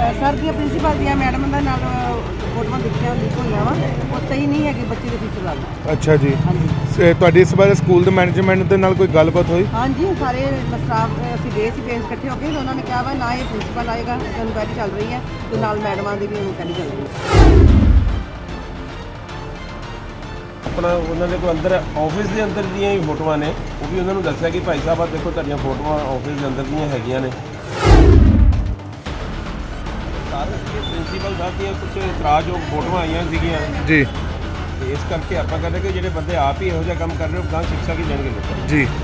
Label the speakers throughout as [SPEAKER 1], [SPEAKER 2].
[SPEAKER 1] Sir ਦੀਆਂ principal ਦੀਆਂ madam ਦੇ ਨਾਲ ਫੋਟੋਆਂ ਦੇਖੀਆਂ ਲੀਕ ਹੋਈਆਂ ਵਾ ਉਹ ਸਹੀ ਨਹੀਂ ਹੈਗੀ ਬੱਚੇ ਦੇ ਫਿਊਚਰ ਵੱਲ।
[SPEAKER 2] ਅੱਛਾ ਜੀ।
[SPEAKER 1] ਹਾਂਜੀ
[SPEAKER 2] ਤੁਹਾਡੀ ਇਸ ਬਾਰੇ ਸਕੂਲ ਦੇ ਮੈਨੇਜਮੈਂਟ ਦੇ ਨਾਲ ਕੋਈ ਗੱਲਬਾਤ ਹੋਈ?
[SPEAKER 1] ਹਾਂਜੀ ਸਾਰੇ ਸਟਾਫ ਅਸੀਂ ਗਏ ਸੀ ਪੇਰੈਂਟਸ ਇਕੱਠੇ ਹੋ ਕੇ ਤੇ ਉਹਨਾਂ ਨੇ ਕਿਹਾ ਵਾ ਨਾ ਇਹ ਪ੍ਰਿੰਸੀਪਲ ਆਏਗਾ, ਇਨਕੁਆਇਰੀ ਚੱਲ ਰਹੀ ਹੈ ਤੇ ਨਾਲ ਮੈਡਮਾਂ ਦੀ ਵੀ ਇਨਕੁਆਇਰੀ ਚੱਲ ਰਹੀ ਹੈ।
[SPEAKER 3] ਆਪਣਾ ਉਹਨਾਂ ਦੇ ਕੋਲ ਅੰਦਰ ਆਫਿਸ ਦੇ ਅੰਦਰ ਦੀਆਂ ਹੀ ਫੋਟੋਆਂ ਨੇ, ਉਹ ਵੀ ਉਹਨਾਂ ਨੂੰ ਦੱਸਿਆ ਕਿ ਭਾਈ ਸਾਹਿਬ ਆ ਦੇਖੋ ਤੁਹਾਡੀਆਂ ਫੋਟੋਆਂ ਆਫਿਸ ਦੇ ਅੰਦਰ ਦੀਆਂ ਹੈਗੀਆਂ ਨੇ। ਸਾਰੇ ਪ੍ਰਿੰਸੀਪਲ ਸਾਹਿਬ ਦੀਆਂ ਕੁਝ ਇਤਰਾਜ਼ਯੋਗ ਫੋਟੋਆਂ ਆਈਆਂ ਸੀਗੀਆਂ
[SPEAKER 2] ਜੀ,
[SPEAKER 3] ਤੇ ਇਸ ਕਰਕੇ ਆਪਾਂ ਕਹਿੰਦੇ ਕਿ ਜਿਹੜੇ ਬੰਦੇ ਆਪ ਹੀ ਇਹੋ ਜਿਹਾ ਕੰਮ ਕਰ ਰਹੇ ਹੋ ਗਾਂ ਸਿੱਖਿਆ ਕੀ ਦੇਣਗੇ ਲੋਕਾਂ ਨੂੰ।
[SPEAKER 2] ਜੀ।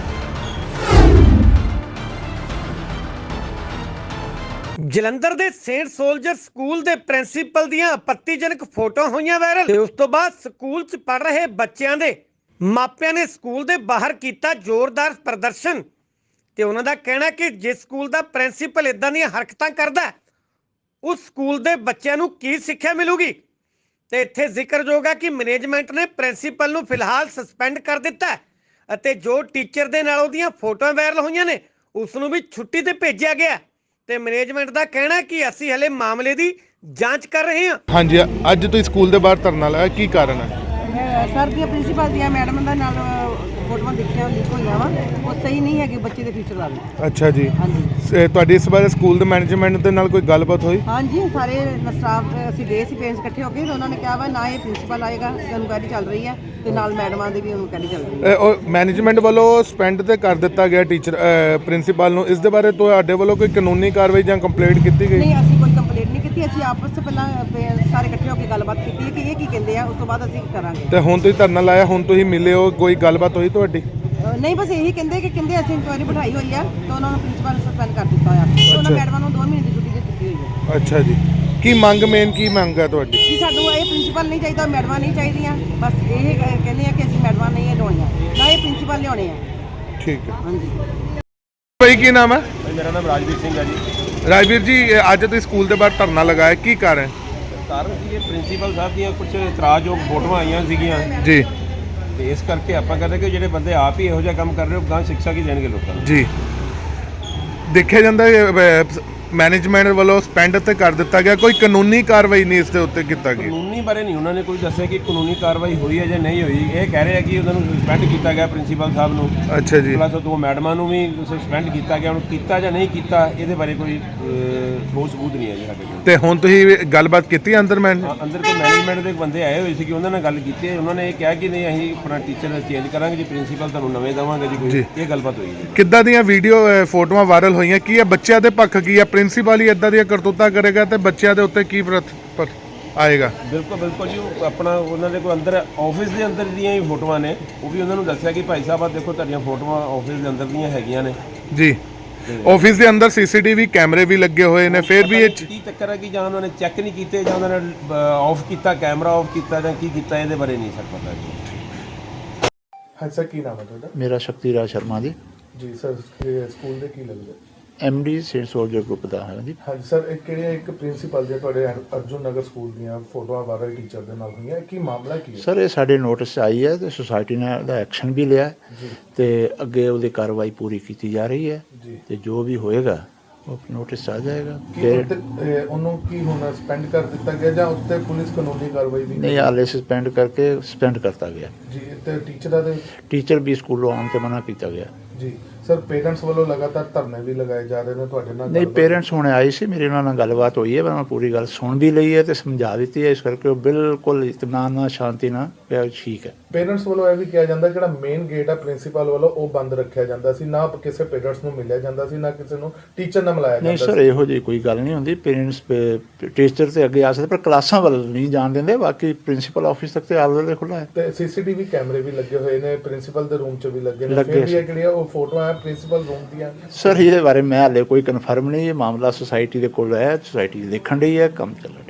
[SPEAKER 4] ਜਲੰਧਰ ਦੇ ਸੇਂਟ ਸੋਲਜਰ ਸਕੂਲ ਦੇ ਪ੍ਰਿੰਸੀਪਲ ਦੀਆਂ ਆਪੱਤੀਜਨਕ ਫੋਟੋਆਂ ਹੋਈਆਂ ਵਾਇਰਲ ਤੇ ਉਸ ਤੋਂ ਬਾਅਦ ਸਕੂਲ 'ਚ ਪੜ ਰਹੇ ਬੱਚਿਆਂ ਦੇ ਮਾਪਿਆਂ ਨੇ ਸਕੂਲ ਦੇ ਬਾਹਰ ਕੀਤਾ ਜ਼ੋਰਦਾਰ ਪ੍ਰਦਰਸ਼ਨ ਤੇ ਉਹਨਾਂ ਦਾ ਕਹਿਣਾ ਕਿ ਜਿਸ ਸਕੂਲ ਦਾ ਪ੍ਰਿੰਸੀਪਲ ਇਦਾਂ ਦੀਆਂ ਹਰਕਤਾਂ ਕਰਦਾ ਹੈ, ਉਸ ਸਕੂਲ ਦੇ ਬੱਚਿਆਂ ਨੂੰ ਕੀ ਸਿੱਖਿਆ ਮਿਲੂਗੀ। ਤੇ ਇੱਥੇ ਜ਼ਿਕਰਯੋਗ ਹੈ ਕਿ ਮੈਨੇਜਮੈਂਟ ਨੇ ਪ੍ਰਿੰਸੀਪਲ ਨੂੰ ਫਿਲਹਾਲ ਸਸਪੈਂਡ ਕਰ ਦਿੱਤਾ ਹੈ ਅਤੇ ਜੋ ਟੀਚਰ ਦੇ ਨਾਲ ਉਹਦੀਆਂ ਫੋਟੋਆਂ ਵਾਇਰਲ ਹੋਈਆਂ ਨੇ ਉਸ ਨੂੰ ਵੀ ਛੁੱਟੀ ਤੇ ਭੇਜਿਆ ਗਿਆ ਤੇ ਮੈਨੇਜਮੈਂਟ ਦਾ ਕਹਿਣਾ ਹੈ ਕਿ ਅਸੀਂ ਹਲੇ ਮਾਮਲੇ ਦੀ ਜਾਂਚ ਕਰ ਰਹੇ ਹਾਂ।
[SPEAKER 2] ਹਾਂਜੀ, ਅੱਜ ਤੁਸੀਂ ਸਕੂਲ ਦੇ ਬਾਹਰ ਧਰਨਾ ਲਾਇਆ, ਕੀ ਕਾਰਨ ਹੈ?
[SPEAKER 1] ਸਰ ਦੀਆਂ ਪ੍ਰਿੰਸੀਪਲ ਦੀਆਂ ਮੈਡਮ ਦੇ ਨਾਲ ਫੋਟੋਆਂ ਦੇਖੀਆਂ ਲੀਕ ਹੋਈਆਂ ਵਾ ਉਹ ਸਹੀ ਨਹੀਂ ਹੈਗੀ ਬੱਚੇ ਦੇ ਫਿਊਚਰ ਵੱਲ।
[SPEAKER 2] ਅੱਛਾ ਜੀ।
[SPEAKER 1] ਹਾਂਜੀ
[SPEAKER 2] ਤੁਹਾਡੀ ਇਸ ਬਾਰੇ ਸਕੂਲ ਦੇ ਮੈਨੇਜਮੈਂਟ ਦੇ ਨਾਲ ਕੋਈ ਗੱਲਬਾਤ ਹੋਈ?
[SPEAKER 1] ਹਾਂਜੀ ਸਾਰੇ ਸਟਾਫ ਅਸੀਂ ਗਏ ਸੀ ਪੇਰੈਂਟਸ ਇਕੱਠੇ ਹੋ ਕੇ ਤੇ ਉਹਨਾਂ ਨੇ ਕਿਹਾ ਵਾ ਨਾ ਇਹ ਪ੍ਰਿੰਸੀਪਲ ਆਏਗਾ, ਇਨਕੁਆਇਰੀ ਚੱਲ ਰਹੀ ਹੈ ਤੇ ਨਾਲ ਮੈਡਮਾਂ ਦੀ ਵੀ ਇਨਕੁਆਇਰੀ ਚੱਲ ਰਹੀ ਹੈ।
[SPEAKER 2] ਉਹ ਮੈਨੇਜਮੈਂਟ ਵੱਲੋਂ ਸਸਪੈਂਡ ਤੇ ਕਰ ਦਿੱਤਾ ਗਿਆ ਟੀਚਰ ਪ੍ਰਿੰਸੀਪਲ ਨੂੰ, ਇਸ ਦੇ ਬਾਰੇ ਤੁਹਾਡੇ ਵੱਲੋਂ ਕੋਈ ਕਾਨੂੰਨੀ ਕਾਰਵਾਈ ਜਾਂ ਕੰਪਲੇਂਟ ਕੀਤੀ ਗਈ?
[SPEAKER 1] ਨਹੀਂ ਅਸੀਂ ਕੋਈ ਕੰਪਲੇਂਟ ਨਹੀਂ ਕੀਤੀ, ਅਸੀਂ ਆਪਸ ਵਿੱਚ ਪਹਿਲਾਂ ਸਾਰੇ ਇਕੱਠੇ ਹੋ ਕੇ ਗੱਲਬਾਤ ਕੀਤੀ ਹੈ ਕਿ ਇਹ ਕੀ ਕਹਿੰਦੇ ਆ, ਉਸ ਤੋਂ ਬਾਅਦ ਅਸੀਂ ਕਰਾਂਗੇ।
[SPEAKER 2] ਤੇ ਹੁਣ ਤੁਸੀਂ ਧਰਨਾ ਲਾਇਆ, ਹੁਣ ਤੁਸੀਂ ਮਿਲੇ ਹੋ, ਕੋਈ ਗੱਲਬਾਤ ਹੋਈ ਤੁਹਾਡੀ?
[SPEAKER 1] ਨਹੀਂ ਬਸ ਇਹੀ ਕਹਿੰਦੇ ਅਸੀਂ ਇਨਕੁਆਇਰੀ ਬਿਠਾਈ ਹੋਈ ਆ ਤੇ ਉਹਨਾਂ ਨੂੰ ਪ੍ਰਿੰਸੀਪਲ ਨੇ ਸਸਪੈਂਡ ਕਰ ਦਿੱਤਾ ਹੋਇਆ ਤੇ ਉਹਨਾਂ ਮੈਡਮਾਂ ਨੂੰ 2 ਮਹੀਨੇ ਦੀ ਛੁੱਟੀ ਦੇ ਦਿੱਤੀ ਹੋਈ ਹੈ।
[SPEAKER 2] ਅੱਛਾ ਜੀ। ਕੀ ਮੰਗ ਕੀ ਮੰਗ ਹੈ ਤੁਹਾਡੀ?
[SPEAKER 1] ਕਿ ਸਾਨੂੰ ਇਹ ਪ੍ਰਿੰਸੀਪਲ ਨਹੀਂ ਚਾਹੀਦਾ, ਮੈਡਮਾਂ ਨਹੀਂ ਚਾਹੀਦੀਆਂ, ਬਸ ਇਹ ਕਹਿੰਦੇ ਆ ਕਿ ਅਸੀਂ ਮੈਡਮਾਂ ਨਹੀਂ ਲਿਆਉਣੀਆਂ, ਨਾ ਇਹ ਪ੍ਰਿੰਸੀਪਲ ਲਿਆਉਣੇ ਆ।
[SPEAKER 2] ਠੀਕ ਹੈ।
[SPEAKER 1] ਹਾਂਜੀ
[SPEAKER 2] ਭਾਈ ਕੀ ਨਾਮ ਹੈ?
[SPEAKER 3] ਮੇਰਾ ਨਾਮ ਰਾਜਵੀਰ ਸਿੰਘ ਹੈ ਜੀ।
[SPEAKER 2] ਰਾਜਵੀਰ ਜੀ, ਅੱਜ ਤੁਸੀਂ ਸਕੂਲ ਦੇ ਬਾਹਰ ਧਰਨਾ ਲਗਾਇਆ, ਕੀ ਕਾਰਨ?
[SPEAKER 3] ਕਾਰਨ ਸੀ ਇਹ ਪ੍ਰਿੰਸੀਪਲ ਸਾਹਿਬ ਦੀਆਂ ਕੁਝ ਇਤਰਾਜ਼ਯੋਗ ਫੋਟੋਆਂ ਆਈਆਂ ਸੀਗੀਆਂ
[SPEAKER 2] ਜੀ
[SPEAKER 3] ਤੇ ਇਸ ਕਰਕੇ ਆਪਾਂ ਕਹਿੰਦੇ ਕਿ ਜਿਹੜੇ ਬੰਦੇ ਆਪ ਹੀ ਇਹੋ ਜਿਹਾ ਕੰਮ ਕਰ ਰਹੇ ਹੋ ਗਾਂ ਸਿੱਖਿਆ ਕੀ ਦੇਣਗੇ ਲੋਕਾਂ ਨੂੰ।
[SPEAKER 2] ਜੀ। ਦੇਖਿਆ ਜਾਂਦਾ ਮੈਨੇਜਮੈਂਟ ਵੱਲੋਂ ਸਸਪੈਂਡ ਤੇ ਕਰ ਦਿੱਤਾ ਗਿਆ, ਕੋਈ ਕਾਨੂੰਨੀ ਕਾਰਵਾਈ ਨਹੀਂ ਇਸ ਦੇ ਉੱਤੇ ਕੀਤਾ ਗਿਆ?
[SPEAKER 3] ਕਾਨੂੰਨੀ ਬਾਰੇ ਨਹੀਂ ਉਹਨਾਂ ਨੇ ਕੋਈ ਦੱਸਿਆ ਕਿ ਕਾਨੂੰਨੀ ਕਾਰਵਾਈ ਹੋਈ ਹੈ ਜਾਂ ਨਹੀਂ ਹੋਈ। ਇਹ ਕਹਿ ਰਹੇ ਆ ਕਿ ਉਹਨਾਂ ਨੂੰ ਸਸਪੈਂਡ ਕੀਤਾ ਗਿਆ ਪ੍ਰਿੰਸੀਪਲ ਸਾਹਿਬ ਨੂੰ।
[SPEAKER 2] ਅੱਛਾ ਜੀ।
[SPEAKER 3] ਪਲੱਸ 2 ਮੈਡਮਾਂ ਨੂੰ ਵੀ ਸਸਪੈਂਡ ਕੀਤਾ ਗਿਆ। ਹੁਣ ਕੀਤਾ ਜਾਂ ਨਹੀਂ ਕੀਤਾ ਇਹਦੇ ਬਾਰੇ ਕੋਈ ਠੋਸ ਸਬੂਤ ਨਹੀਂ ਹੈ ਜੀ ਸਾਡੇ ਕੋਲ।
[SPEAKER 2] ਤੇ ਹੁਣ ਤੁਸੀਂ ਗੱਲਬਾਤ ਕੀਤੀ ਅੰਦਰ
[SPEAKER 3] ਅੰਦਰ ਕੋਈ ਮੈਨੇਜਮੈਂਟ ਦੇ ਬੰਦੇ ਆਏ ਹੋਏ ਸੀ ਕਿ ਉਹਨਾਂ ਨਾਲ ਗੱਲ ਕੀਤੀ ਹੈ। ਉਹਨਾਂ ਨੇ ਇਹ ਕਿਹਾ ਕਿ ਨਹੀਂ ਅਸੀਂ ਆਪਣਾ ਟੀਚਰ ਚੇਂਜ ਕਰਾਂਗੇ ਜੀ, ਪ੍ਰਿੰਸੀਪਲ ਤੁਹਾਨੂੰ ਨਵੇਂ ਦੇਵਾਂਗੇ ਜੀ। ਕੋਈ ਇਹ ਗੱਲਬਾਤ ਹੋਈ ਜੀ।
[SPEAKER 2] ਕਿੱਦਾਂ ਦੀਆਂ ਵੀਡੀਓ ਫੋਟੋਆਂ ਵਾਇਰਲ ਹੋਈਆਂ, ਕੀ ਹੈ ਬੱਚਿਆਂ ਦੇ ਪੱਖ, ਕੀ ਹੈ ਪ੍ਰਿੰਸੀਪਲ ਹੀ ਇਦਾਂ ਦੀਆਂ ਕਰਤੂਤਾਂ ਕਰੇਗਾ ਤੇ ਬੱਚਿਆਂ ਦੇ ਉੱਤੇ ਕੀ ਆਏਗਾ?
[SPEAKER 3] ਬਿਲਕੁਲ ਜੀ। ਉਹ ਆਪਣਾ ਉਹਨਾਂ ਦੇ ਕੋਲ ਅੰਦਰ ਆਫਿਸ ਦੇ ਅੰਦਰ ਦੀਆਂ ਹੀ ਫੋਟੋਆਂ ਨੇ, ਉਹ ਵੀ ਉਹਨਾਂ ਨੂੰ ਦੱਸਿਆ ਕਿ ਭਾਈ ਸਾਹਿਬ ਆ ਦੇਖੋ ਤੁਹਾਡੀਆਂ ਫੋਟੋਆਂ ਆਫਿਸ ਦੇ ਅੰਦਰ ਦੀਆਂ ਹੈਗੀਆਂ ਨੇ।
[SPEAKER 2] ਜੀ। ਆਫਿਸ ਦੇ ਅੰਦਰ ਸੀਸੀਟੀਵੀ ਕੈਮਰੇ ਵੀ ਲੱਗੇ ਹੋਏ ਨੇ, ਫਿਰ ਵੀ ਇਹ
[SPEAKER 3] ਕੀ ਚੱਕਰ ਹੈ ਕਿ ਜਾਂ ਉਹਨਾਂ ਨੇ ਚੈੱਕ ਨਹੀਂ ਕੀਤੇ ਜਾਂ ਉਹਨਾਂ ਨੇ ਆਫ ਕੀਤਾ, ਕੈਮਰਾ ਆਫ ਕੀਤਾ ਜਾਂ ਕੀ ਕੀਤਾ, ਇਹਦੇ ਬਾਰੇ ਨਹੀਂ ਸਰ ਪਤਾ ਜੀ।
[SPEAKER 2] ਹਾਂ ਸਰ, ਕੀ ਨਾਮ ਹੈ ਤੁਹਾਡਾ?
[SPEAKER 5] ਮੇਰਾ ਸ਼ਕਤੀਰਾਜ ਸ਼ਰਮਾ ਜੀ
[SPEAKER 2] ਸਰ ਸਕੂਲ ਦੇ ਕੀ ਲੱਗਦਾ?
[SPEAKER 5] ਐਮਡੀ ਸੇਂਟ ਸੋਲਜਰ ਗਰੁੱਪ ਦਾ ਹੈ ਜੀ।
[SPEAKER 2] ਹਾਂਜੀ ਸਰ, ਇੱਕ ਪ੍ਰਿੰਸੀਪਲ ਦੇ ਤੁਹਾਡੇ ਅਰਜੁਨ ਨਗਰ ਸਕੂਲ ਦੀਆਂ ਫੋਟੋਆਂ ਵਾਇਰਲ ਟੀਚਰ ਦੇ ਨਾਲ ਹੋਈਆਂ, ਕੀ ਮਾਮਲਾ ਕੀ ਹੈ?
[SPEAKER 5] ਸਰ ਇਹ ਸਾਡੇ ਨੋਟਿਸ 'ਚ ਆਈ ਹੈ ਤੇ ਸੁਸਾਇਟੀ ਨੇ ਉਹਦਾ ਐਕਸ਼ਨ ਵੀ ਲਿਆ ਤੇ ਅੱਗੇ ਉਹਦੀ ਕਾਰਵਾਈ ਪੂਰੀ ਕੀਤੀ ਜਾ ਰਹੀ ਹੈ ਤੇ ਜੋ ਵੀ ਹੋਏਗਾ ਉਹ ਨੋਟਿਸ ਆ ਜਾਏਗਾ।
[SPEAKER 2] ਉਹਨੂੰ ਕੀ ਹੁਣ ਸਸਪੈਂਡ ਕਰ ਦਿੱਤਾ ਗਿਆ ਜਾਂ ਉੱਤੇ ਪੁਲਿਸ ਕਾਨੂੰਨੀ ਕਾਰਵਾਈ ਵੀ?
[SPEAKER 5] ਨਹੀਂ, ਹਾਲੇ ਸਸਪੈਂਡ ਕਰਤਾ ਗਿਆ
[SPEAKER 2] ਜੀ। ਤੇ ਟੀਚਰਾਂ ਦੇ
[SPEAKER 5] ਟੀਚਰ ਵੀ ਸਕੂਲੋਂ ਆਉਣ ਤੇ ਮਨਾ ਕੀਤਾ ਗਿਆ
[SPEAKER 2] ਜੀ। ਸਰ ਪੇਰੈਂਟਸ ਵੱਲੋਂ ਲਗਾਤਾਰ ਧਰਨੇ ਵੀ ਲਗਾਏ ਜਾ ਰਹੇ ਨੇ, ਤੁਹਾਡੇ ਨਾਲ?
[SPEAKER 5] ਨਹੀਂ, ਪੇਰੈਂਟਸ ਹੁਣੇ ਆਏ ਸੀ, ਮੇਰੇ ਉਹਨਾਂ ਨਾਲ ਗੱਲਬਾਤ ਹੋਈ ਹੈ, ਮੈਂ ਪੂਰੀ ਗੱਲ ਸੁਣ ਵੀ ਲਈ ਹੈ ਤੇ ਸਮਝਾ ਦਿੱਤੀ ਹੈ, ਇਸ ਕਰਕੇ ਉਹ ਬਿਲਕੁਲ ਇਤਮਾਨ ਨਾਲ, ਸ਼ਾਂਤੀ ਨਾਲ ਪਿਆ ਠੀਕ ਹੈ।
[SPEAKER 2] ਪੇਰੈਂਟਸ ਵੱਲੋਂ ਇਹ ਵੀ ਕਿਹਾ ਜਾਂਦਾ ਜਿਹੜਾ ਮੇਨ ਗੇਟ ਹੈ ਪ੍ਰਿੰਸੀਪਲ ਵੱਲੋਂ ਉਹ ਬੰਦ ਰੱਖਿਆ ਜਾਂਦਾ ਸੀ, ਨਾ ਕਿਸੇ ਪੇਰੈਂਟਸ ਨੂੰ ਮਿਲਿਆ ਜਾਂਦਾ ਸੀ, ਨਾ ਕਿਸੇ ਨੂੰ ਟੀਚਰ ਨਾਲ ਮਿਲਾਇਆ ਜਾਂਦਾ ਸੀ।
[SPEAKER 5] ਨਹੀਂ ਸਰ, ਇਹੋ ਜਿਹੀ ਕੋਈ ਗੱਲ ਨਹੀਂ ਹੁੰਦੀ। ਪੇਰੈਂਟਸ ਟੀਚਰ ਤੇ ਅੱਗੇ ਆ ਸਕਦੇ ਪਰ ਕਲਾਸਾਂ ਵੱਲ ਨਹੀਂ ਜਾਣ ਦਿੰਦੇ, ਬਾਕੀ ਪ੍ਰਿੰਸੀਪਲ ਆਫਿਸ ਤੱਕ ਤੇ ਆਲ ਖੁੱਲ੍ਹਾ ਹੈ।
[SPEAKER 2] ਤੇ ਸੀਸੀਟੀਵੀ ਕੈਮਰੇ ਵੀ ਲੱਗੇ ਹੋਏ ਨੇ, ਪ੍ਰਿੰਸੀਪਲ ਦੇ ਰੂਮ 'ਚ ਵੀ ਲੱਗੇ ਨੇ, ਫਿਰ ਵੀ ਇਹ ਜਿਹੜੀਆਂ ਉਹ ਫੋਟੋਆਂ ਹੈ ਪ੍ਰਿੰਸੀਪਲ ਰੂਮ ਦੀਆਂ?
[SPEAKER 5] ਸਰ ਇਹਦੇ ਬਾਰੇ ਮੈਂ ਹਾਲੇ ਕੋਈ ਕਨਫਰਮ ਨਹੀਂ, ਇਹ ਮਾਮਲਾ ਸੁਸਾਇਟੀ ਦੇ ਕੋਲ ਹੈ, ਸੁਸਾਇਟੀ ਦੇਖਣ ਰਹੀ ਹੈ, ਕੰਮ ਚੱਲ ਰਿਹਾ।